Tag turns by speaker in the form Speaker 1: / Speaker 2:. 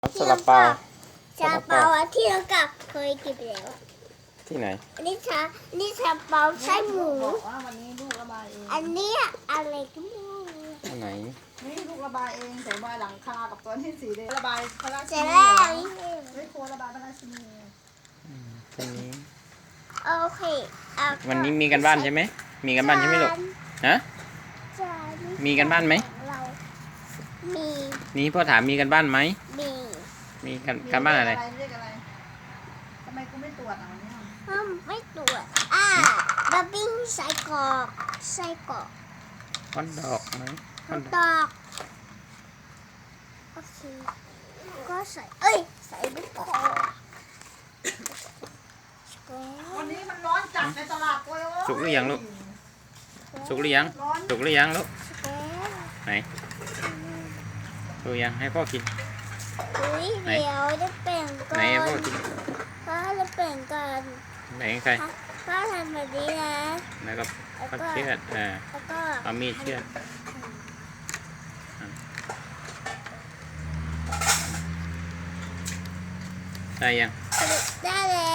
Speaker 1: ซาลาเปา
Speaker 2: ซาลาเปาที่เรากับเคยกินไปแล้ว
Speaker 1: ที่ไหน
Speaker 2: อันนี้ซาลาเปาไส้หมู
Speaker 3: บอกว่าวันนี้ลูกระบายเอง
Speaker 2: อันนี้อะไรก็ไม่รู้
Speaker 1: ที่ไหน
Speaker 3: นี่ลูกระบายเองแต่ระบายหลังคากับตัวที่สีแดงระบายพระราชิ
Speaker 2: เสร็จ
Speaker 3: นี
Speaker 2: แล้ว
Speaker 3: ไม่โคระบายพระราชินี
Speaker 1: วันนี้
Speaker 2: โอเคเอา
Speaker 1: วันนี้มีกันบ้านใช่ไหมมีกันบ้านใช่ไหมลูกฮะ
Speaker 2: จาน
Speaker 1: มีกันบ้านไหม
Speaker 2: เรามี
Speaker 1: นี่พ่อถามมีกันบ้านไหม
Speaker 2: มี
Speaker 1: มีกันบ้านอะไร
Speaker 3: เรียกอะไรทำไมกูไม่ตรวจอ่ะวันนี้
Speaker 2: ไม่ตรวจบะบิ้งไส้กรอก
Speaker 1: ฮอทดอกไหมฮอทด
Speaker 2: ต
Speaker 1: อก
Speaker 2: อกโอเคก็ใส่ใส่ไม่พอ
Speaker 3: วันนี้มันร้อนจัดในตลาดโอ้ย
Speaker 1: สุกหรือยังลูกสุกหรือยัง
Speaker 3: ร้อน
Speaker 1: สุกหรือยังลูก
Speaker 2: แก
Speaker 1: ไหนสุกยังให้พ่อกิน
Speaker 2: เดี๋ยวจะแบ่งกั
Speaker 1: ไหน
Speaker 2: น
Speaker 1: ให้พ่อกิน
Speaker 2: ก็จะแบ่งกัน
Speaker 1: ไหนใคร
Speaker 2: ก็ทำแบบนี้นะ
Speaker 1: แล้วก็พ่อเชือด
Speaker 2: แล้วก็
Speaker 1: เอามีดเชือดได้ยัง
Speaker 2: ได้แล้